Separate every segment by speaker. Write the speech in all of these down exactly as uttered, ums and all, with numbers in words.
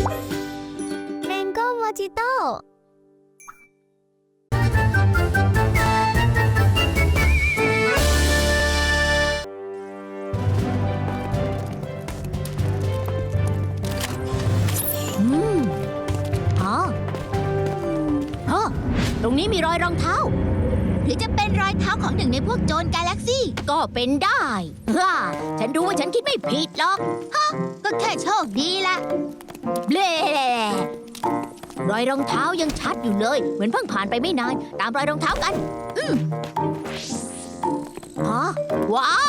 Speaker 1: แมงโก้โมจิโต้
Speaker 2: อืมอ๋อฮะตรงนี้มีรอยรองเท้า
Speaker 3: หรือจะเป็นรอยเท้าของหนึ่งในพวกโจรกาแล็กซี่
Speaker 2: ก็เป็นได้ฮ่าฉันรู้ว่าฉันคิดไม่ผิดหรอก
Speaker 3: ก็แค่โชคดีละ
Speaker 2: เบลรอยรองเท้ายังชัดอยู่เลย เหมือนเพิ่งผ่านไปไม่นาน ตามรอยรองเท้ากัน อืมอ๋อว้าว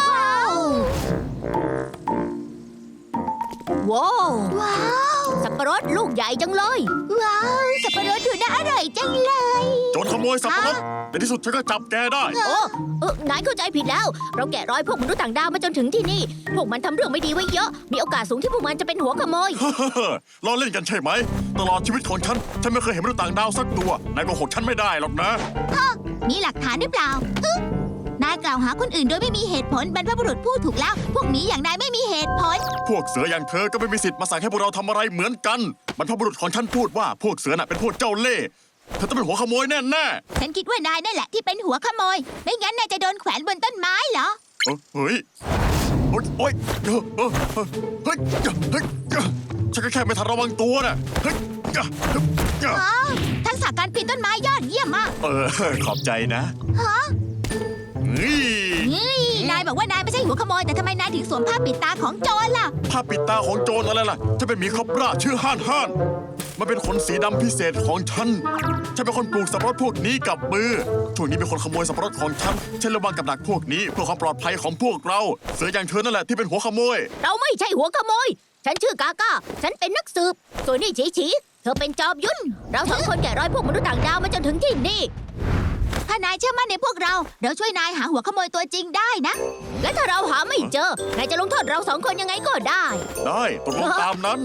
Speaker 2: ว้าว
Speaker 3: ว้าว
Speaker 2: สับปะรดลูกใหญ่จังเลย
Speaker 3: ว้าว สับปะรดดูน่าอร่อยจังเลย
Speaker 4: โจรขโมยสับปะรดในที่สุดฉันก็จับแกได้
Speaker 2: โอ้เออนายเข้าใจผิดแล้ว เราแกะรอยพวกมนุษย์ต่างดาวมาจนถึงที่นี่ พวกมันทำเรื่องไม่ดีไว้เยอะ มีโอกาสสูงที่พวกมันจะเป็นหัวขโมย
Speaker 4: ล้อเล่นกันใช่ไหม ตลอดชีวิตของฉัน ฉันไม่เคยเห็นมนุษย์ต่างดาวสักตัวนายโกหกฉันไม่ได้หรอกนะ
Speaker 3: มีหลักฐานหรือเปล่าฮึนายกล่าวหาคนอื่นโดยไม่มีเหตุผลบรรพบุรุษพูดถูกแล้ว พวกนี้อย่างนายไม่มีเหตุผล
Speaker 4: พวกเสืออย่างเธอก็ไม่มีสิทธิ์มาสั่งให้พวกเราทำอะไรเหมือนกันบรรพบุรุษของฉันพูดว่าพวกเสือน่ะเป็นพวกเจ้าเล่ห์เธอต้องเป็นหัวขโมยแน่ๆ
Speaker 3: ฉันคิดว่านายนั่นแหละที่เป็นหัวขโมย ไม่งั้นนายจะโดนแขวนบนต้นไม้เหรอ
Speaker 4: เอ้ยเฮ้ยโอ๊ยโอ๊ยเออเออเออเฮ้ยเฮ้ยฉันก็แค่ไม่ทันระวังตัวน่ะเฮ้ยเฮ้ยเฮ้ย
Speaker 3: อ๋อ ทักษะการปีนต้นไม้ยอดเยี่ยมมาก
Speaker 4: เออขอบใจนะ
Speaker 3: ฮะ
Speaker 4: เฮ้ย
Speaker 3: นี่นายบอกว่านายไม่ใช่หัวขโมย แต่ทำไมนายถึงสวมผ้าปิดตาของโจรล่ะ
Speaker 4: ผ้าปิดตาของโจรอะไรล่ะจะเป็นหมีครอบราชื่อฮ่านฮ่านมันเป็นขนสีดำพิเศษของฉันฉันเป็นคนปลูกสับปะรดพวกนี้กับมือช่วงนี้มีคนขโมยสับปะรดของฉันฉันระวังกับดักพวกนี้เพื่อความปลอดภัยของพวกเราเสืออย่างเธอนั่นแหละที่เป็นหัวขโมย
Speaker 2: เราไม่ใช่หัวขโมย ฉันชื่อกาก้า ฉันเป็นนักสืบ ส่วนนี่ฉีฉีเธอเป็นจอมยุทธเราสองคนแกะรอยพวกมนุษย์ต่างดาวมาจนถึงที่นี่
Speaker 3: ถ้านายเชื่อมั่นในพวกเรา เราช่วยนายหาหัวขโมยตัวจริงได้นะ
Speaker 2: และถ้าเราหาไม่เจอ นายจะลงโทษเราสองคนยังไงก็ได้
Speaker 4: ได้ตกลงตามนั้น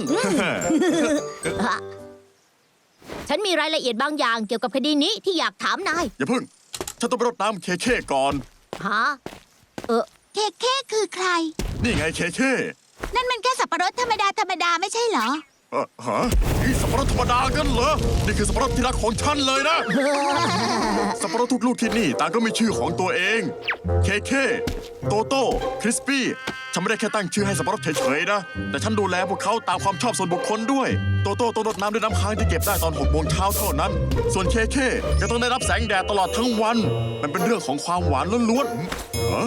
Speaker 2: ฉันมีรายละเอียดบางอย่างเกี่ยวกับคดีนี้ที่อยากถามนาย
Speaker 4: อย่าพึ่งฉันต้องไปรดน้ำเคเคก่อน
Speaker 2: ฮะ เออ
Speaker 3: เคเคคือใคร
Speaker 4: นี่ไงเคเค
Speaker 3: นั่นมันแค่สับปะรดธรรมดาธรรมดาไม่ใช่เหรอ
Speaker 4: เออฮะนี่สับปะรดธรรมดากันเหรอนี่คือสับปะรดที่รักของฉันเลยนะ สับปะรดทุกลูกที่นี่ต่างก็มีชื่อของตัวเอง เคเค โตโต้ คริสปี้ ฉันไม่ได้แค่ตั้งชื่อให้สับปะรดเฉยๆนะ แต่ฉันดูแลพวกเขาตามความชอบส่วนบุคคลด้วย โตโต้ต้องรดน้ำด้วยน้ำค้างที่เก็บได้ตอนหกโมงเช้าเท่านั้น ส่วนเคเคจะต้องได้รับแสงแดดตลอดทั้งวัน มันเป็นเรื่องของความหวานล้วนๆฮะ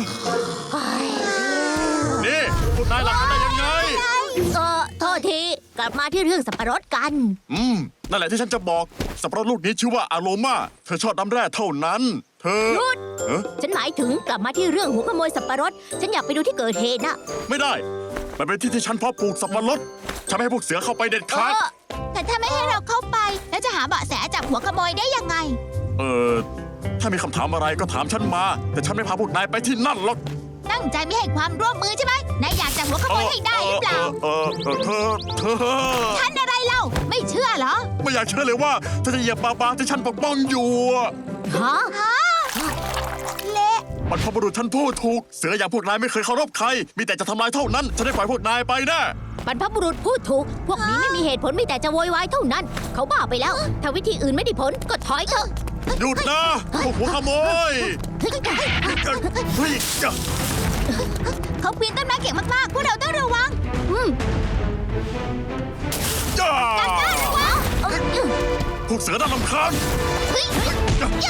Speaker 4: นี่พวกนายหลักกันได้ยังไง
Speaker 2: เออโทษที กลับมาที่เรื่องสับปะรดกัน
Speaker 4: อืม นั่นแหละที่ฉันจะบอก สับปะรดลูกนี้ชื่อว่าอโรมา เธอชอบน้ำแร่เท่านั้น เธอ
Speaker 2: หยุด
Speaker 4: เอ๊ะ
Speaker 2: ฉันหมายถึงกลับมาที่เรื่องหัวขโมยสับปะรด ฉันอยากไปดูที่เกิดเหตุนะ
Speaker 4: ไม่ได้ มันเป็นที่ที่ฉันเพาะปลูกสับปะรด ฉันไม่ให้พวกเสือเข้าไปเด็ด
Speaker 2: เอ
Speaker 4: ขาด
Speaker 2: อ
Speaker 3: แต่ถ้าไม่ให้เราเข้าไป แล้วจะหาเบาะแสจับหัวขโมยได้ยังไง
Speaker 4: เออ ถ้ามีคำถามอะไรก็ถามฉันมา แต่ฉันไม่พาพวกนายไปที่นั่นหรอก
Speaker 3: ตั้งใจไม่ให้ความร่วมมือใช่ไหมนายอยากจับหัวขโมยให้ได้หรือเปล่า
Speaker 4: เออเออเออเธอ เธอ
Speaker 3: ท่านอะไรเล่า ไม่เชื่อเหรอ
Speaker 4: ไม่อยากเชื่อเลยว่าเธอจะเหยียบบาบาที่ฉันปกป้องอยู่อะ
Speaker 2: ฮะ
Speaker 3: ฮะ เละ
Speaker 4: บรรพบุรุษฉันพูดถูก เสืออย่างพวกนายไม่เคยเคารพใคร มีแต่จะทำลายเท่านั้น ฉันได้ปล่อยพวกนายไปแน่
Speaker 2: บรรพบุรุษพูดถูก พวกนี้ไม่มีเหตุผลมีแต่จะโวยวายเท่านั้น เขาบ้าไปแล้ว ถ้าวิธีอื่นไม่ได้ผลก็ถอยเถอะ
Speaker 4: หยุดนะพวกหัวขโมยเฮ้ยจ้ะ
Speaker 3: เขาปีนต้นไม้เก่งมากๆ พวกเราต้องระวัง
Speaker 2: อืม
Speaker 4: จ้า
Speaker 2: เออ
Speaker 4: พวกเสือน่ารำคาญ
Speaker 3: เฮ้ยย่าเฮ้ยย่า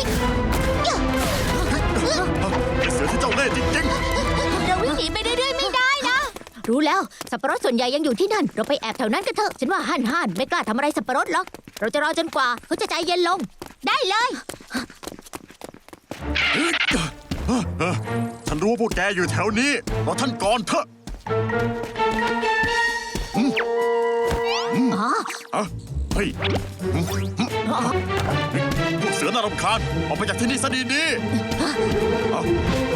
Speaker 4: ไอ้เสือที่เจ้าเล่ห์จริง
Speaker 3: เราวิ่งหนีไปเรื่อยๆไม่ได้นะ
Speaker 2: รู้แล้ว สับปะรดส่วนใหญ่ยังอยู่ที่นั่น เราไปแอบแถวนั้นกันเถอะ ฉันว่าฮั่นฮั่นไม่กล้าทำอะไรสับปะรดหรอก เราจะรอจนกว่าเขาจะใจเย็นลง
Speaker 3: ได้เลย
Speaker 4: ๆฉันรู้ว่าพวกแกอยู่แถวนี้รอท่านก่อนเถอะ
Speaker 2: อ๋อ
Speaker 4: อะเฮ้ยพวกเสือน่ารำคาญออกไปจากที่นี่ซะดีๆเอา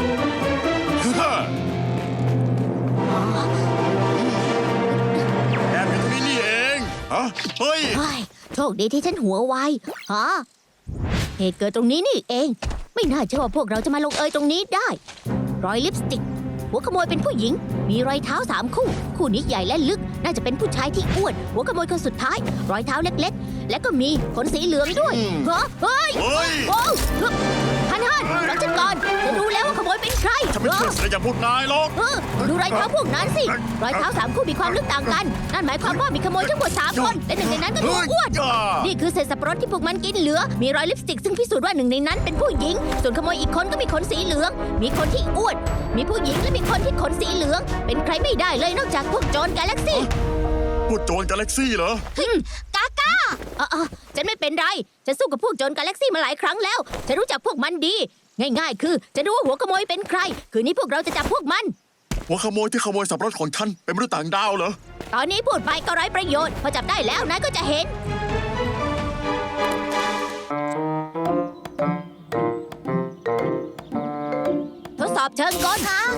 Speaker 4: แอบอยู่ตรงนี้นี่เองฮะเฮ้ย
Speaker 2: เฮ้ยโชคดีที่ฉันหัวไวฮะเหตุเกิดตรงนี้นี่เอง ไม่น่าเชื่อว่าพวกเราจะมาลงเอยตรงนี้ได้ รอยลิปสติกหัวขโมยเป็นผู้หญิง มีรอยเท้าสามคู่ คู่นี้ใหญ่และลึก น่าจะเป็นผู้ชายที่อ้วน หัวขโมยคนสุดท้าย รอยเท้าเล็กๆ และก็มีขนสีเหลืองด้วยเหรอเฮ้ย
Speaker 4: เฮ้ย
Speaker 2: โอ้ฮันฮันรับฉันก่อนฉันรู้แล้วว่าขโมยเป็นใคร
Speaker 4: ฉันไม่เชื่อเสียอย่างพวกนายหรอก
Speaker 2: เออดูรอยเท้าพวกนั้นสิ รอยเท้าสามคู่มีความลึกต่างกัน นั่นหมายความว่ามีขโมยทั้งหมดสามคน และหนึ่งในนั้นก็ตัวอ้วน
Speaker 4: จ้า
Speaker 2: นี่คือเศษสับปะรดที่พวกมันกินเหลือ มีรอยลิปสติกซึ่งพิสูจน์ว่าหนึ่งในนั้นเป็นผู้หญิง ส่วนขโมยอีกคนก็มีขนสีเหลือง มีคนที่อ้วน มีผู้หญิงและมีคนที่ขนสีเหลือง เป็นใครไม่ได้เลยนอกจากพวกโจรกาแล็กซี่
Speaker 4: พวกโจรกาแล็กซี่เหรอ
Speaker 2: กาก้าเออเออฉันไม่เป็นไร ฉันสู้กับพวกโจรกาแล็กซี่มาหลายครั้งแล้ว ฉันรู้จักพวกมันดี ง่ายๆ คือจะรู้ว่าหัวขโมยเป็นใคร คืนนี้พวกเราจะจับพวกมัน
Speaker 4: หัวขโมยที่ขโมยสับปะรดของฉันเป็นมนุษย์ต่างดาวเหรอ
Speaker 2: ตอนนี้พูดไปก็ไร้ประโยชน์ พอจับได้แล้วนายก็จะเห็น ทดสอบเชิงกลฮะ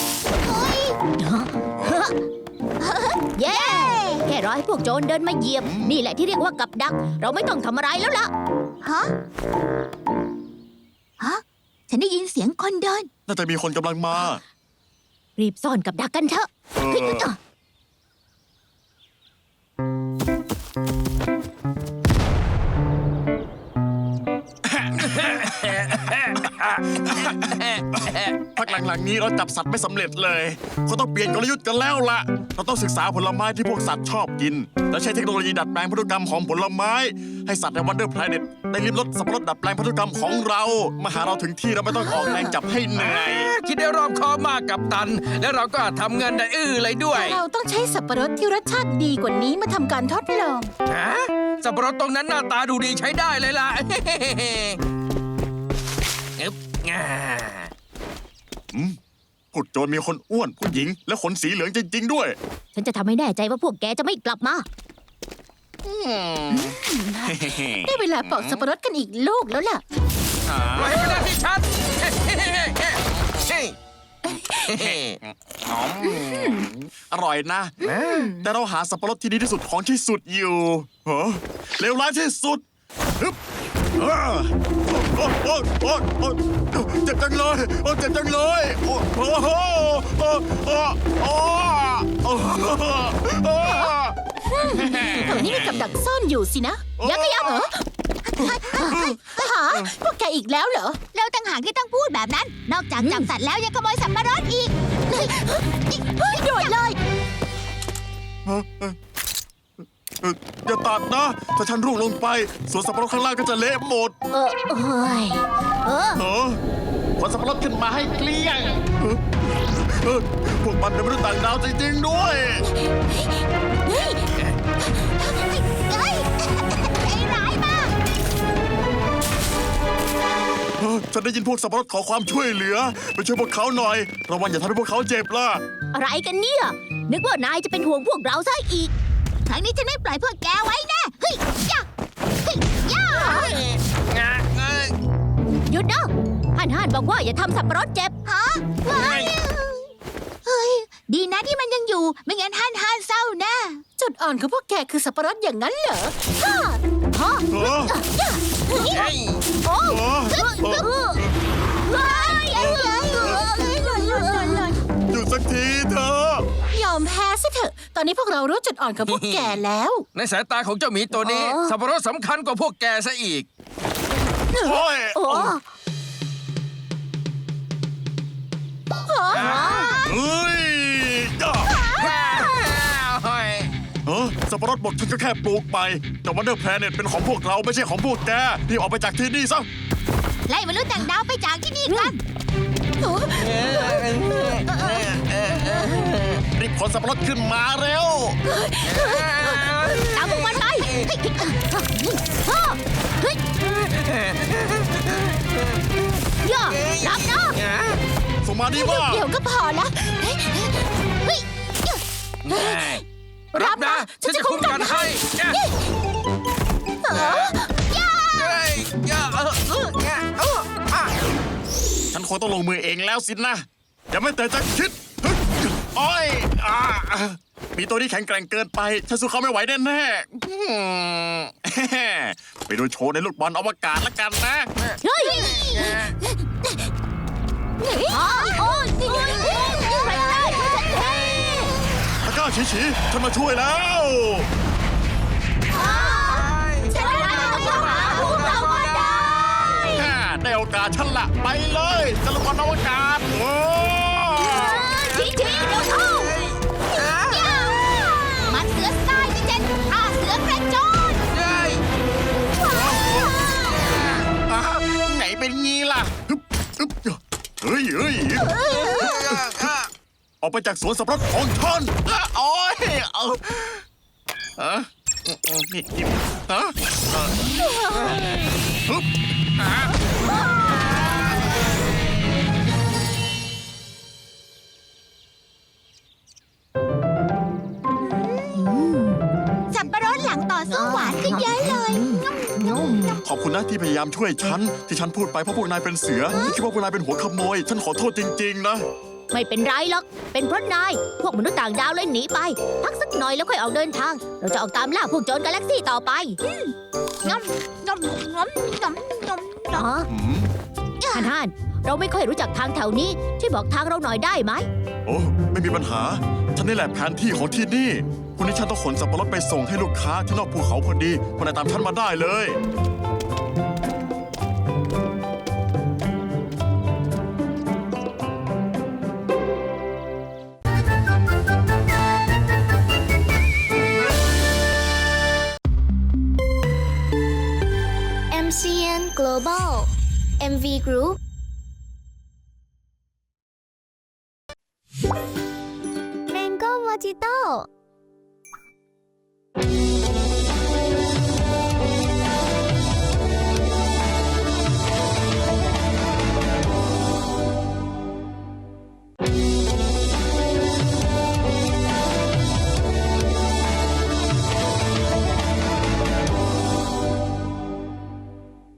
Speaker 2: เย้ แค่รอให้พวกโจรเดินมาเหยียบ นี่แหละที่เรียกว่ากับดัก เราไม่ต้องทำอะไรแล้วล่ะ
Speaker 3: ฮะ ฮะ ฉันได้ยินเสียงคนเดิน
Speaker 4: น่าจะมีคนกำลังมา
Speaker 2: รีบซ่อนกับดักกันเถอะ
Speaker 4: เออ
Speaker 2: เฮ้ยเอ้อ
Speaker 4: พักหลังๆนี้เราจับสัตว์ไม่สำเร็จเลยเขาต้องเปลี่ยนกลยุทธ์กันแล้วล่ะ เราต้องศึกษาผลไม้ที่พวกสัตว์ชอบกิน และใช้เทคโนโลยีดัดแปลงพันธุกรรมของผลไม้ ให้สัตว์ในวันเดอร์แพลเน็ตได้ลิ้มรสสับปะรดดัดแปลงพันธุกรรมของเรา มาหาเราถึงที่เราไม่ต้องออกแรงจับให้เหนื่อย
Speaker 1: คิดได้รอบคอบมากกับตัน และเราก็ทำเงินได้อื้อเลยด้วย
Speaker 5: เราต้องใช้สับปะรดที่รสชาติดีกว่านี้มาทำการทดลอง
Speaker 1: ฮะสับปะรดตรงนั้นหน้าตาดูดีใช้ได้เลยล่ะ อึ๊บง่า
Speaker 4: อืมพวกโจรมีคนอ้วนผู้หญิง และขนสีเหลืองจริง ๆ ด้วย
Speaker 2: ฉันจะทำให้แน่ใจว่าพวกแกจะไม่กลับมา
Speaker 5: ได้เวลาปอกสับปะรดกันอีกลูกแล้วล่ะ
Speaker 1: ปล่อยให้เป็นหน้าที่ฉัน
Speaker 4: อร่อยนะ แต่เราหาสับปะรดที่ดีที่สุดของที่สุดอยู่เหรอเลวร้ายที่สุดฮึบอ่าโอ้โอ้โอ้โอ้เจ็บจังเลยโอ้เจ็บจังเลยโอ้โอ้โอ้โอ้โอ้โอ้โอ้โอ้
Speaker 5: ตรงนี้มีกับดักซ่อนอยู่สินะ
Speaker 2: ยักษ์ยักษ์
Speaker 5: เหรอหาพวกแกอีกแล้วเหรอ
Speaker 3: เราต่างหากที่ต้องพูดแบบนั้น นอกจากจับสัตว์แล้วยังขโมยสับปะรดอีก
Speaker 5: เฮ้ยโดดเลย
Speaker 4: เอ่ออย่าตัดนะ ถ้าฉันร่วงลงไปสวนสับปะรดข้างล่างก็จะเละหมด
Speaker 2: เออเอ้ยเออ
Speaker 4: เออขนสับปะรดขึ้นมาให้เกลี้ยงเออเออพวกมันเป็นมนุษย์ต่างดาวจริงๆด้วย
Speaker 3: เฮ้ยเฮ้ยใจร้ายมาก
Speaker 4: เออฉันได้ยินพวกสับปะรดขอความช่วยเหลือ ไปช่วยพวกเขาหน่อย ระวังอย่าทำให้พวกเขาเจ็บล่ะ
Speaker 2: อะไรกันเนี่ย นึกว่านายจะเป็นห่วงพวกเราซะอีก
Speaker 3: ครั้งนี้ฉันไม่ปล่อยพวกแกไว้แน่เฮ้ยย่าเฮ้ยย่า
Speaker 2: หยุดนะฮันฮันบอกว่าอย่าทำสับปะรดเจ็บ
Speaker 3: ฮะเฮ้ยเฮ้ย ดีนะที่มันยังอยู่ ไม่งั้นฮั่นฮั่นเศร้าแน่
Speaker 5: จุดอ่อนของพวกแกคือสับปะรดอย่างนั้นเหรอ
Speaker 2: ฮะ
Speaker 4: เออ
Speaker 2: โอ้
Speaker 4: เออเออ
Speaker 2: เฮ้ยเฮ้ยเฮ้ยเฮ้ย
Speaker 4: หยุดสักทีเถอะ
Speaker 5: ยอมแพ้ซะเถอะ ตอนนี้พวกเรารู้จุดอ่อนของพวกแกแล้ว
Speaker 1: ในสายตาของเจ้าหมีตัวนี้ สับปะรดสำคัญกว่าพวกแกซะอีก
Speaker 4: โอ้ย
Speaker 2: โอ้
Speaker 4: เฮ้ยอ่ะเออสับปะรดบดฉันก็แค่ปลูกไปแต่วันเดอร์แพลเน็ตเป็นของพวกเราไม่ใช่ของพวกแกรีบออกไปจากที่นี่ซะ
Speaker 3: ไล่มนุษย์ต่างดาวไปจากที่นี่กัน
Speaker 4: รีบขนสับปะรดขึ้นมาเร็ว
Speaker 2: ตามพวกมันไปเฮ้ยเฮ้ยย่ารับนะ
Speaker 4: ส่งมาดีว่า
Speaker 5: เดี๋ยวก็พอละเฮ้ยเฮ้ย
Speaker 1: รับนะ ฉันจะคุ้มกันให้เฮ้ยอย่าเออเออเอออ่ะ
Speaker 4: ฉันคงต้องลงมือเองแล้วสินะอย่าไม่แต่จะคิดฮึดโอ้ยอ่ามีตัวนี้แข็งแกร่งเกินไป ฉันสู้เขาไม่ไหวแน่ๆอืมไปดูโชว์ในลูกบอลอวกาศละกันนะ
Speaker 2: เฮ้ย
Speaker 3: โอ้ย
Speaker 4: ฉีฉีฉันมาช่วยแล้ว
Speaker 2: ฉันได้ต้องหาพวกเราก็ได้
Speaker 4: ฮ่าได้โอกาสฉันละไปเลยจรวดอวกาศโอ้
Speaker 2: ทีทีเดี๋ยวเข้า
Speaker 3: มันเสือทรายที่เจ็ดอาเสือกระโจน
Speaker 1: เฮ้ย
Speaker 4: อ่ะไหนเป็นงี้ล่ะฮึบฮึบเฮ้ยเฮ้ยออกไปจากสวนสับปะรดของฉันอ่ะโอ้ยเอาฮะอืมอืมนี่นี่ฮะเอ่อฮึบฮะ
Speaker 3: สับปะรดหลังต่อสู้หวานขึ้นเยอะเลย
Speaker 4: ขอบคุณนะที่พยายามช่วยฉัน ที่ฉันพูดไปเพราะพวกนายเป็นเสือที่คิดว่าพวกนายเป็นหัวขโมย ฉันขอโทษจริงๆนะ
Speaker 2: ไม่เป็นไรหรอก เป็นเพราะนาย พวกมนุษย์ต่างดาวเลยหนีไป พักสักหน่อยแล้วค่อยออกเดินทาง เราจะออกตามล่าพวกโจรกาแล็กซี่ต่อไป
Speaker 3: งอมงอมงอมงอมงอม
Speaker 2: อ๋อ
Speaker 4: อืม
Speaker 2: ฮันฮันเราไม่ค่อยรู้จักทางแถวนี้ ช่วยบอกทางเราหน่อยได้ไหม
Speaker 4: โอ้ไม่มีปัญหา ฉันนี่แหละแผนที่ของที่นี่คุณนี้ฉันต้องขนสับปะรดไปส่งให้ลูกค้าที่นอกภูเขาพอดีคนไหนตามฉันมาได้เลย
Speaker 6: เอ็ม ซี เอ็น Global เอ็ม วี Group